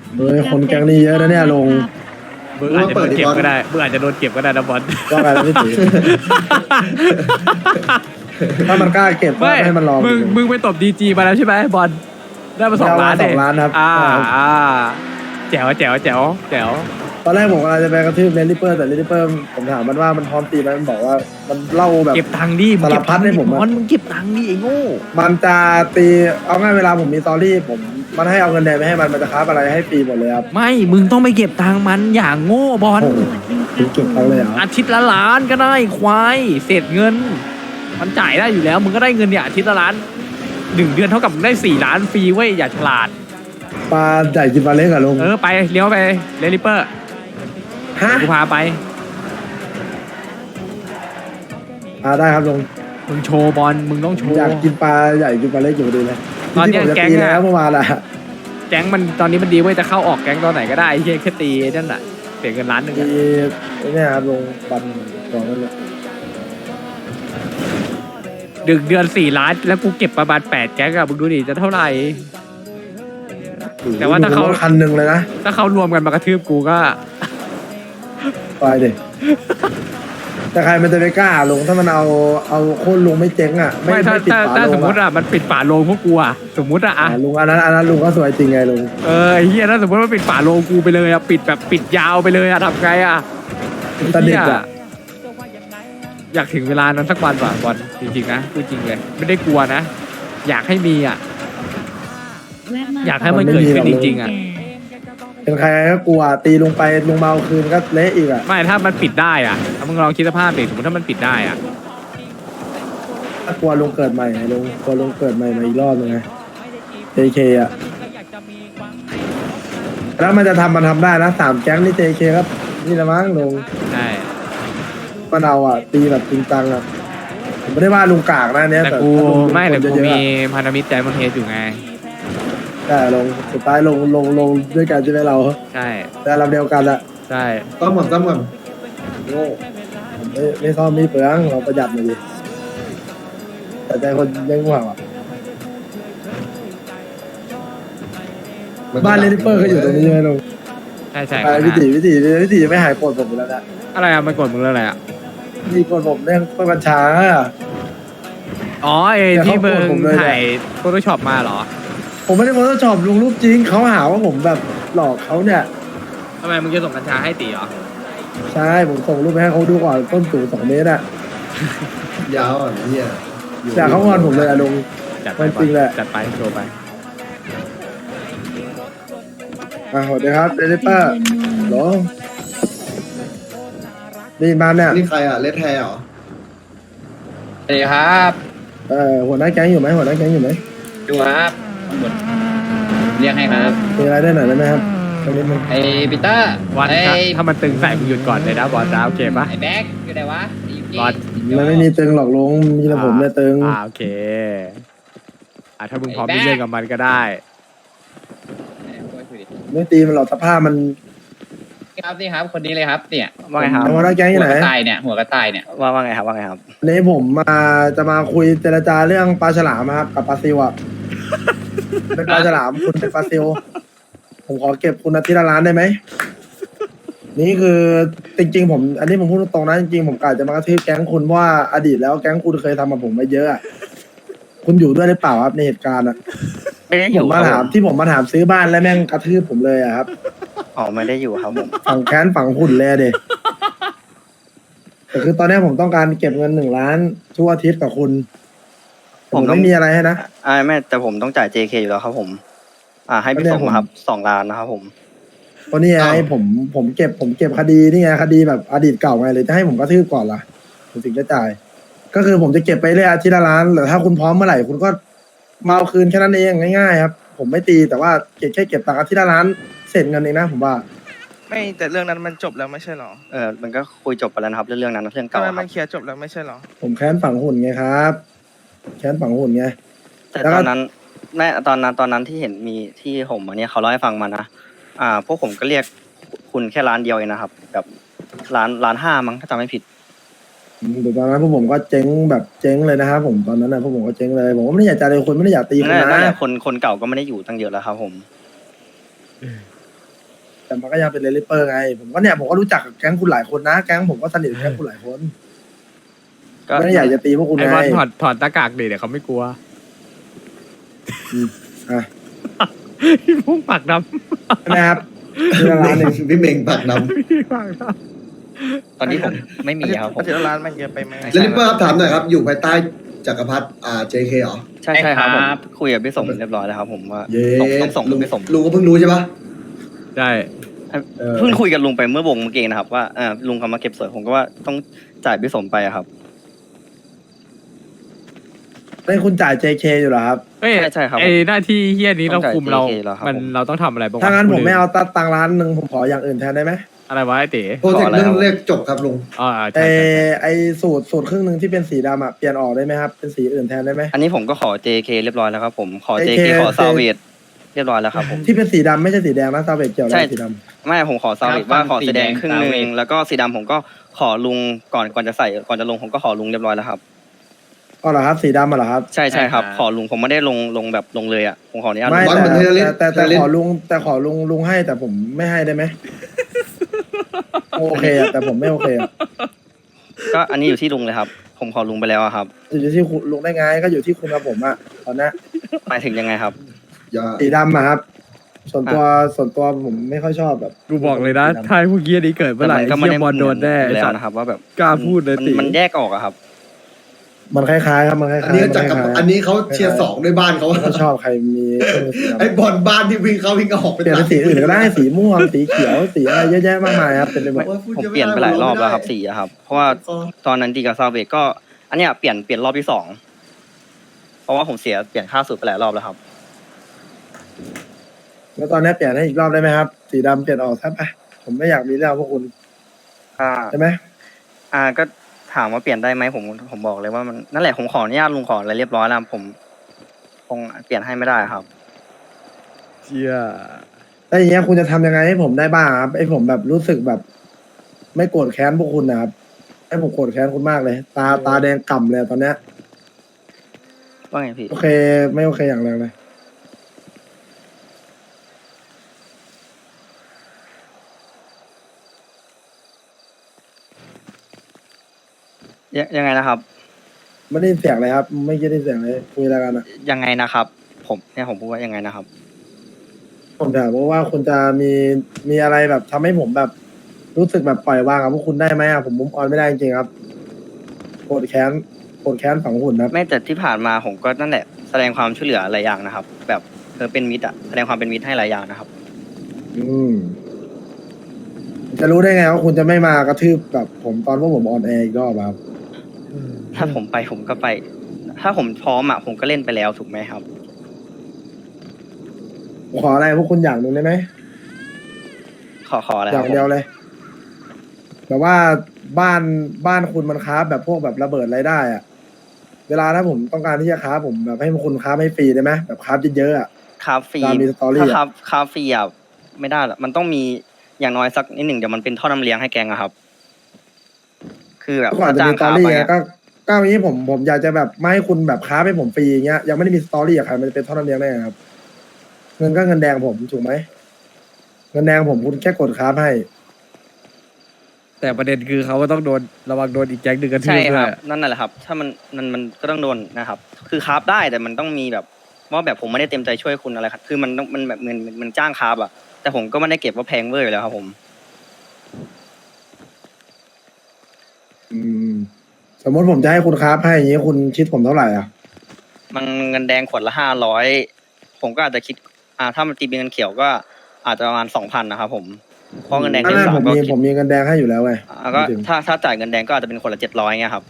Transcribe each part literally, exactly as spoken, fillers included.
เฮ้ยคนแก๊งนี้เยอะนะเนี่ยลงมึงอาจจะโดนเก็บก็ได้มึงอาจจะโดนเก็บก็ได้นะบอลว่าไงล่ะพี่ตีถ้ามันกล้าเก็บก็ไม่ให้มันลองมึงมึงไปตบดีจีมาแล้วใช่ไหมบอลได้มาสองล้านสองล้านครับอ่าอ่าแจ๋วแจ๋วแจ๋วแจ๋วตอนแรกผมกำลังจะไปกระทืบเลนลิปเปอร์แต่เลนลิปเปอร์ผมถามมันว่ามันพร้อมตีไหมมันบอกว่ามันเล่าแบบเก็บตังค์ดิมึงเก็บสารพัดให้ผมอะบอลมึงเก็บตังค์ดิไอ้โง่มันจะตีเอาง่ายเวลาผมมีตอรี่ผมมันให้เอาเงินแดงไปให้มันมันจะค้าอะไรให้ฟรีหมดเลยครับไม่มึงต้องไปเก็บตังค์มันอย่างโง่บอลโอ้โหถึงเก็บเขาเลยเหรออาทิตย์ละล้านก็ได้ควายเศษเงิน มันจ่ายได้อยู่แล้วมึงก็ได้เงินเนี่ยอาทิตย์ละล้านหนึ่งเดือนเท่ากับมึงได้สี่ล้านฟรีเว้ยอย่าฉลาดปลาใหญ่กินปลาเล็กอะลุงเออไปเลี้ยวไปเลลิเปอร์ฮะกูพาไปอ่าได้ครับลุงมึงโชว์บอลมึงต้องโชว์อยากกินปลาใหญ่กินปลาเล็กอยู่ดีเลยตอนเนี้ยที่ผมจะแก๊งตีอะแล้วเมื่อวานอะแก๊งมันตอนนี้มันดีเว้ยจะเข้าออกแก๊งตอนไหนก็ได้ไอ้เฮียแค่ตีนั่นแหละเสียเงินล้านหนึ่งตีอะไอ้เนี่ยครับลุงบันสองนั่นแหละดึกเดือนสี่ล้านแล้วกูเก็บประมาณแปดแก๊งอะมึงดูดิจะเท่าไหร่ แต่ว่าถ้าเขาลุงคันหนึ่งเลยนะถ้าเขารวมกันมากระทืบกูก็ไปดิ แต่ใครมันจะไปกล้าลงถ้ามันเอาเอาโค่นลุงไม่เจ๊งอ่ะไม่ถ้าปิดถ้าฝาถ้าลสงมมติอ่ะอะมันปิดฝาโลงพวกกูอะสมมติอะอะอ่าลุงอันนั้นอันนั้นลุงก็สวยจริงไงลุงเออไอ้เฮียถ้าสมมติว่าปิดฝาโลงกูไปเลยอะปิดแบบปิดยาวไปเลยอะทำไงอะตะเด็กเหี้ยอ่ะอยากถึงเวลานั้นสักวันว่ะบอลจริงๆนะพูดจริงเลยไม่ได้กลัวนะ อยากให้มีอะอยากให้มันเกิดขึ้นจริงๆอะเป็นใครก็กลัวตีลงไปลุงเมาคืนก็เละอีกอ่ะไม่ถ้ามันปิดได้อะถ้ามึงลองคิดสภาพดิสมมติถ้ามันปิดได้อะถ้ากลัวลุงเกิดใหม่ไงลุงกลัวลุงเกิดใหม่มาอีกรอบนึงไง เจ เค อ่ะแล้วมันจะทำมันทำได้นะสามแก๊งนี่ เจ เค ครับนี่ละมั้งลุงใช่มันเอาอ่ะตีแบบจริงจังอ่ะผมไม่ได้ว่าลุงกากนะเนี่ยแต่แต่กูถ้าลุงไม่แต่คนกูเยอะๆมีอะพันธมิตรใจมันเฮดอยู่ไงแต่ลงสุดท้ายลงลงลงด้วยกันใช่ไหมเราใช่แต่ลำเดียวกันอะใช่ต้มก่อนต้มก่อนโง่ผมไม่ไม่ซ่อมไม่เปลืองเราประหยัดหน่อยดิแต่ใจคนยังห่วงอ่ะบ้านเลนเปอร์ก็อยู่ตรงนี้ใช่ไหมลุงใช่ใช่ไปวิถีวิถีวิถีไม่หายปวดผมอยู่แล้วนะอะไรอะมันกดมึงเรื่องอะไรอะมีกดผมเรื่องต้นกัญชาอ๋อไอ้แต่ที่เขามึโกรธงผมเลยเนี่ยถ่ายโฟโต้ช็อปมาเหรอผมไม่ได้โพสต์ช็อปลุงรูปจริงเขาหาว่าผมแบบหลอกเขาเนี่ยทำไมมึงจะส่งกัญชาให้ตีเหรอใช่ผมส่งรูปไปให้เขาดูก่อนต้นสูงสองเมตรอะยาวอ่ะเฮียแต่เขางอนผมเลยอะลุงจัดไปมันจริงแหละจัดไปโชว์ไปอ่ะสวัสดีครับเลนเปอร์หรอได้ยินบ้านเนี่ยนี่ใครอ่ะเลดแทร์เหรอสวัสดีครับเออหัวหน้าแก๊งอยู่ไหมหัวหน้าแก๊งอยู่ไหมดูครับเรียกให้ครับมีอะไรได้หน่อยได้ไหมครับตรงนี้มันไอ้ปีเตอร์วันไอ้ถ้าถ้ามันตึงใส่มึงหยุดก่อนเลยนะบอลนะโอเคปะไอ้แบ็คอยู่ไหนวะไอ้ยูกี้บอลมันไม่มีตึงหรอกลุงมีแต่ผมเนี่ยตึงอ่าโอเคอ่าถ้ามึงพร้อมที่เล่นกับมันก็ได้ไม่ตีมันหรอกสภาพมันครับนี่ครับคนนี้เลยครับเนี่ยว่าไงครับหัวหน้าแก๊งอยู่หัวไหนกระต่ายเนี่ยหัวกระต่ายเนี่ยว่าว่าไงครับว่าไงครับวันนี้ผมมาจะมาคุยเจรจาเรื่องปลาฉลามครับกับปลาซิวอ่ะเป็นปลาฉลามคุณเป็นปลาซิวผมขอเก็บคุณอาทิตย์ละล้านได้ไหมนี่คือจริงๆผม อันนี้ผมพูดตรงๆนะจริงๆผมกะจะมากระทืบแก๊งคุณเพราะว่าอดีตแล้วแก๊งคุณเคยทำกับผมมาเยอะอะคุณอยู่ด้วยหรือเปล่าครับในเหตุการณ์อะไม่ได้อผยู่มคมารับถามผมที่ผมมาถามซื้อบ้านแล้วแม่งกระทืบผมเลยอะครับอ๋อไม่ได้อยู่ครับผมฝั่งแค้นฝั่งหุ่นเลยเด็แต่คือตอนนี้ผมต้องการเก็บเงินหนึ่งล้านทุกอาทิตย์กับคุณผมไม่มีอะไรให้นะอ่าไม่แต่ผมต้องจ่าย เจ เค อยู่แล้วครับผม อ่าให้พี่ไม่ได้ส่งผมมาครับสองล้านนะครับผมเพราะนี่ไงผมผมเก็บผมเก็บคดีนี่ไงคดีแบบอดีตเก่าไงเลยจะให้ผมกระทืบก่อนล่ะผมถึงจะจ่าย ก็คือผมจะเก็บไปเรื่อยอาทิตย์ละล้านหรือถ้าคุณพร้อมเมื่อไหร่คุณก็มาเอาคืนแค่นั้นเองง่ายๆครับ ผมไม่ตีแต่ว่าเก็บแค่เก็บตังค์อาทิตย์ละล้านเสร็จเงินเองนะผมว่าไม่แต่เรื่องนั้นมันจบแล้วไม่ใช่เหรอเออมันก็คุยจบไปแล้วนะครับเรื่องนั้นนะเรื่องทำเก่าไมคมัรับนเคลียร์จบแล้วไม่ใช่เหรอผมแค้นฝั่งหุ่นไงครับแค้นฝั่งหุ่นไงแต่แล้วก็ตอนนั้นแม่ตอนนั้นตอนนั้นที่เห็นมีที่ผมอันเนี้ยเขาเล่าให้ฟังมานะอ่า พวกผมก็เรียกคุณแค่ร้านเดียวเองนะครับแบบร้านร้านห้ามั้งถ้าจำไม่ผิดเดี๋ยวตอนนั้นพวกผมก็เจ๊งแบบเจ๊งเลยนะครับผมตอนนั้นนะพวกผมก็เจ๊งเลยผมก็ไม่ได้อยากจะเลยคนไม่ได้อยากตีคนนั่นแหละนั่นแหนะละคนคนเก่าก็ไม่ได้อยู่ตั้งเยอะแล้วครับผมแต่มันก็ยังเป็นเลลิเปอร์ไง ผมก็เนี่ยผมก็รู้จักกับแก๊งคุณหลายคนนะ แก๊งผมก็สนิทกับแก๊งคุณหลายคนก็ไม่ได้อยากจะตีพวกคุณไอ้ไงบอลถอดถอดหน้ากากดิเดี๋ยวเขาไม่กลัวอ่ะพี่พุ่งปากดใช่ไหมครับทีละล้านหนึ่งพี่เมงปากดำพี่ปากดตอนนี้ผมไม่มีครับผมอาทิตย์ละล้านมันเยอะไปไหมำแล้วลิปเปอร์ครับถามหน่อยครับ อยู่ภายใต้จักรพรรดิอ่า เจ เค เหรอใช่ใช่ครับผมคุยกับพี่สมเรียบร้อยแล้วครับผมว่าเย้ต้องส่งลุงพี่สมลุงก็เพิ่งรู้ใช่ปะำใช่เออเพิ่งคุยกับลุงไปเมื่อวงเมื่อกี้นะครับว่าเออลุงเขามาเก็บสวยผมก็ว่าต้องจ่ายพี่สมไปอะครับได้คุณจ่าย เจ เค อยู่เหรอครับเอ้ยใช่ใช่ครับไอ้หน้าที่เฮี้ยนี้ต้เราองจ่ายคุมเราเจ เค แล้วครับมันผมเราต้องทำอะไรบ้างวะถ้างั้นผมไม่เอาพูดลยตัดตังค์ล้านหนึ่งผมขออย่างอื่นแทนได้ไหมอะไรวะไอ้เต๋โปรเจกต์เรื่องเลขจบครับลุงอ๋อไอใช่ใช่ใช่ไอสูตรสูตรครึ่งหนึ่งที่เป็นสีดำอ่ะเปลี่ยนออกได้ไหมครับ เป็นสีอื่นแทนได้ไหมอันนี้ผมก็ขอ เจ เค เรียบร้อยแล้วครับผมขอเจเจเคเค ขอซาเวดเรียบร้อยแล้วครับผมที่เป็นสีดำไม่ใช่สีแดงนะซาเวตเกี่ยวอะไรใช่กับสีดไม่ผมขอซาเวดว่าขอสีแดงครึ่งหนึ่งแล้วก็สีดำผมก็ขอลุงก่อนก่อนจะใส่ก่อนจะลงผมก็ขอลุงเรียบร้อยแล้วครับำอ๋อเหรอครับสีดำอ่ะเหรอครับใช่ใช่ครับขอลุงผมไม่ได้ลงลงแบบลงเลยอ่ะผมขออนุญาตไม่บอลแต่เหมือนเทเลแต่แต่เทเลแต่ขอลุงแต่ขอลุงลุงให้แต่ผมไม่ให้ได้ไหม โอเคอะแต่ผมไม่โอเคอะก็อันนี้อยู่ที่ลุงเลยครับ ผมขอลุงไปแล้วอะครับอยู่ที่คุณลุงได้ไงก็อยู่ที่คุณกับผมอะตอนนี้หมายถึงยังไงครับอย่าสีดำอะครับ ส่วนตัวส่วนตัวผมไม่ค่อยชอบแบบกูบอกเลยนะถ้าไอ้พวกเฮี้ยนี้เกิดเมื่อไหร่แต่มันก็ไม่เฮี้ได้ยบอลโดนแน่เหมือไอ้แล้วสัตว์นะครับว่าแบบกล้าพูดเลยมันติมันแยกออกอะครับมันคล้ายๆครับมันคล้ายๆอันนี้จักรมัอันนี้เขาเชียร์สองด้วยบ้านเขาไม่ค่อยชอบใครมีเครื่องสีดำไอ้บอลบ้านที่วิ่งเข้าวิ่งออกเปลี่ยนเป็นสีอื่นก็ได้สีม่วงสีเขียวสีอะไรเยอะแยะมากมายครับเป็นไปหมดผมเปลี่ยนไปหลายรอบแล้วครับสีอะครับ เพราะว่าตอนนั้นดีกับซาเวกก็ อันเนี้ยเปลี่ยนเปลี่ยนรอบที่สองเพราะว่าผมเสียเปลี่ยนค่าสูตรไปหลายรอบแล้วครับแล้วตอนนี้เปลี่ยนให้อีกรอบได้ไหมครับ สีดำเปลี่ยนออกซะไปผมไม่อยากมีเรื่องพวกคุณอ่าใช่ไหมอ่าก็ถามว่าเปลี่ยนได้ไหมผมผมบอกเลยว่ามันนั่นแหละผมขออนุญาตลุงขออะไรเรียบร้อยแล้วผมคงเปลี่ยนให้ไม่ได้ครับเชี่ยแล้วอย่างเงี้ยคุณจะทำยังไงให้ผมได้บ้างครับให้ผมแบบรู้สึกแบบ ไม่โกรธแค้นพวกคุณนะครับให้ผมโกรธแค้นคุณมากเลย ตาตาแดงก่ำเลยตอนเนี้ยว่าไงพี่โอเค ไม่โอเคอย่างแรงเลยยังยังไงนะครับไม่ได้ยินเสียงเลยครับ ไม่ได้ยินเสียงเลยคุยอะไรกันอะยังไงนะครับ ผมเนี่ยผมพูดว่ายังไงนะครับผมถามว่าคุณจะมีมีอะไรแบบทำให้ผมแบบ รู้สึกแบบปล่อยวางกับพวกคุณได้ไหมอะผมมุมออนไม่ได้จริงๆครับโกรธแค้นโกรธแค้นฝังหุ่นครับไม่แต่ที่ผ่านมาผมก็นั่นแหละแสดงความช่วยเหลือหลายอย่างนะครับ แบบเออเป็นมิตรอะแสดงความเป็นมิตรให้หลายอย่างนะครับอืมจะรู้ได้ไงว่าคุณจะไม่มากระทืบแบบผมตอนพวกผมออนแอร์อีกรอบอะครับถ้าผมไปผมก็ไป ถ้าผมพร้อมอะผมก็เล่นไปแล้วถูกไหมครับผมขออะไรพวกคุณอย่างหนึ่งได้ไหมขอขออะไรอคย่ารับงเดียวเลยแบบว่าบ้านบ้านคุณมันค้าฟแบบพวกแบบระเบิดอะไรได้อะเวลาถ้าผมต้องการที่จะค้าฟผมแบบให้พวกคุณค้าฟให้ฟรีได้ไหมแบบค้าฟเยอะๆอะคาฟรีตามมีสตอรี่ถ้าอะคาคาฟรีอะไม่ได้หรอกมันต้องมีอย่างน้อยสักนิดหนึ่งเดี๋ยวมันเป็นท่อน้ำเลี้ยงให้แกงอะครับ คือแบบก่อนถ้าจะจ้ามีงสตอค้ารี่ไปไงอะก็ก็อย่างนี้ผมผมอยากจะแบบไม่ให้คุณแบบค้าฟให้ผมฟรีอย่างเงี้ยยังไม่ได้มีสตอรี่กับใครมันจะเป็นท่อน้ำเลี้ยงได้ไงครับ เงินก็เงินแดงผมถูกไหมเงินแดงผมคุณแค่กดค้าฟให้แต่ประเด็นคือเขาก็ต้องโดนระวังโดนอีกแก๊งหนึ่งกันทืใช่บคด้วรับยนั่นแหละครับ ถ้ามันมันมันก็ต้องโดนนะครับ คือคาร์บได้แต่มันต้องมีแบบว่าแบบผมไม่ได้เต็มใจช่วยคุณอะไรครับคือมันต้องมันแบบเงินมันมันจ้างคาร์บอะแต่ผมก็ไม่ได้เก็บว่าแพงเวอร์อยู่แล้วครับผมอืม สมมติผมจะให้คุณค้าฟให้อย่างนี้คุณคิดผมเท่าไหร่อ่ะมันเงินแดงขวดละห้าร้อยผมก็อาจจะคิดอ่าถ้ามันตีเป็นเงินเขียวก็อาจจะประมาณสองพันนะครับผมเพราะเงินแดงไม่เดือนไม่สาผม มก็มีคิดผมมีเงินแดงให้อยู่แล้วไงอ่าก็ถึงถ้าถ้าจ่ายเงินแดงก็อาจจะเป็นคนละเจ็ดร้อยเงี้ยครับ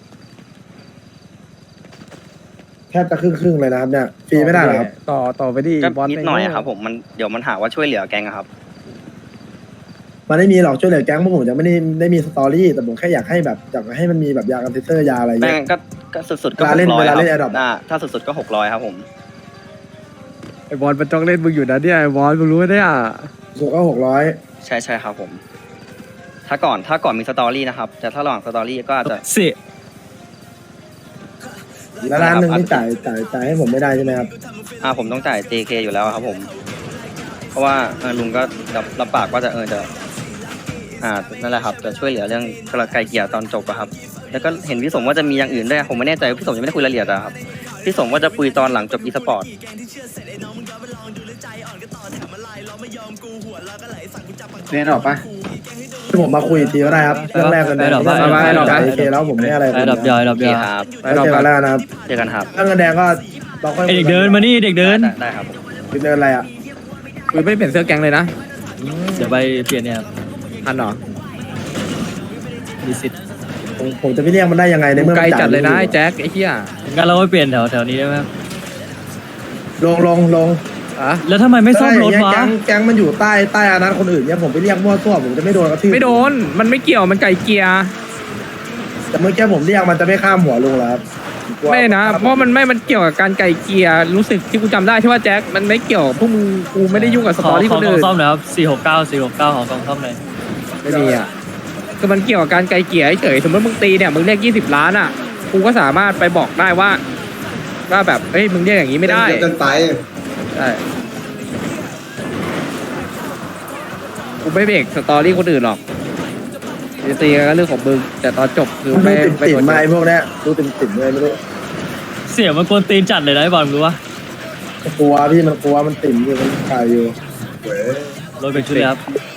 แทบจะครึ่งครึ่งๆเลยนะครับเนี่ยฟรีไม่ได้เหรอครับต่อต่อไปดิก็บอลนิดหน่อยอะครับ ผมมันเดี๋ยวมันหาว่าช่วยเหลือแกงอะครับมันไม่มีหรอกช่วยเหลือแก๊งพวกผมจะไม่ได้ได้มีสตอรี่แต่ผมแค่อยากให้แบบอยากให้มันมีแบบยากันเทสเตอร์ยาอะไรแต่เงี้ยก็ก็สุดๆก็เวหลาก เล่นร้อยเวลาคเล่นรับ Adopt อ่าถ้าสุดๆก็หกร้อยครับผมไอ้บอลมันจ้องเล่นมึงอยู่นะเนี่ยไอ้บอลมึงรู้ไหมเนี่ยส่วนก็หกร้อยใช่ใช่ครับผม ถ้าก่อนถ้าก่อนมีสตอรี่นะครับแต่ถ้าระหว่างสตอรี่ก็อาจจะสิแล้วร้านหนึ่งนี่จ่ายจ่ายจ่ายให้ผมไม่ได้ใช่ไหมครับอ่าผมต้องจ่าย เจ เค อยู่แล้วครับผมเพราะว่าเออลุงก็รับรับปากว่าจะเออจะอ่านั่นแหละครับจะช่วยเหลือเรื่องไกลเกลี่ยตอนจบอะครับแล้วก็เห็นพี่สมว่าจะมีอย่างอื่นด้วยผมไม่แน่ใจว่าพี่สมยังไม่ได้คุยรายละเอียดอะครับพี่สมว่าจะคุยตอนหลังจบอีสปอร์ตเรียนออกปะที่ผมมาคุยอีกทีก็ได้ครับเรื่องแรกกันเลยไปดอกเรื่องไปแรกดอกไปโอเคแล้วผมไม่อะไรไอ้ดับยอยดับโอย เคอยครับไว้เจอกันแล้วนะครับเจอกันครับเรื่องเงินแดงก็เราค่อยไอเด็กเดินมานี่เด็กเดินได้ได้ครับผมเดินอะไรอ่ะกูไม่ได้เปลี่ยนเสื้อแก๊งเลยนะเดี๋ยวไปเปลี่ยนเนี่ยครับทันเหรอมีสิทธิ์ผมผมจะไปเรียกมันได้ยังไงในกูเมื่อไกลมันจัดเลยนะไม่ไอ้อแจ็คไอ้เหี้ยงั้นเราไปเปลี่ยนแถวแถวนี้ได้ไหมครับลงลงลงอะแล้วทำไมไม่ซ่อมรถถ้าอย่างเงี้ยวะแก๊งแก๊งมันอยู่ใต้ใต้อานัตคนอื่นเนี่ยผมไปเรียกมั่วซั่วผมจะไม่โดนกระทืบไม่โดนมันไม่เกี่ยวมันไก่เกลียแต่เมื่อกี้ผมเรียกมันจะไม่ข้ามหัวลุงแล้วครับกลัวไม่นะเพราะมันไม่มันเกี่ยวกับการไก่เกลียรู้สึกที่กูจำได้ใช่ว่าแจ็คมันไม่เกี่ยวพวกมึงกูไม่ได้ยุ่งกับสขตออรี่ขคอน กล่องอื่นซ่อมหน่อยครับสี่หกเก้าสี่หกเก้าขอกล่องซ่อมหน่อยไม่มีอ่ะคือมันเกี่ยวกับการไก่เกลียเฉยสมมติมึงตีเนี่ยมึงเรียกยี่สิบล้านอ่ะกูก็สามารถไปบอกได้ว่าว่าแบบเฮ้ยมึงเรียกอย่างนี้ไม่ได้เยอะเกินไปใช่กูไม่เบรกสตอรี่คนอื่นหรอกจะตีกันก็เรื่องของมึงแต่ตอนจบคือมันไม่ดูติ่มไม่ติ่มกดมาไอ้พวกเนี้ยดูติ่มติ่มเลยไม่รู้เสียงมันกวนตีนจัดเลยนะไอ้บอลรู้ปะกลัวพี่มันกลัวมันติ่มอยู่มันกายอยู่เว้ยรถเป็นชุดเลยครับ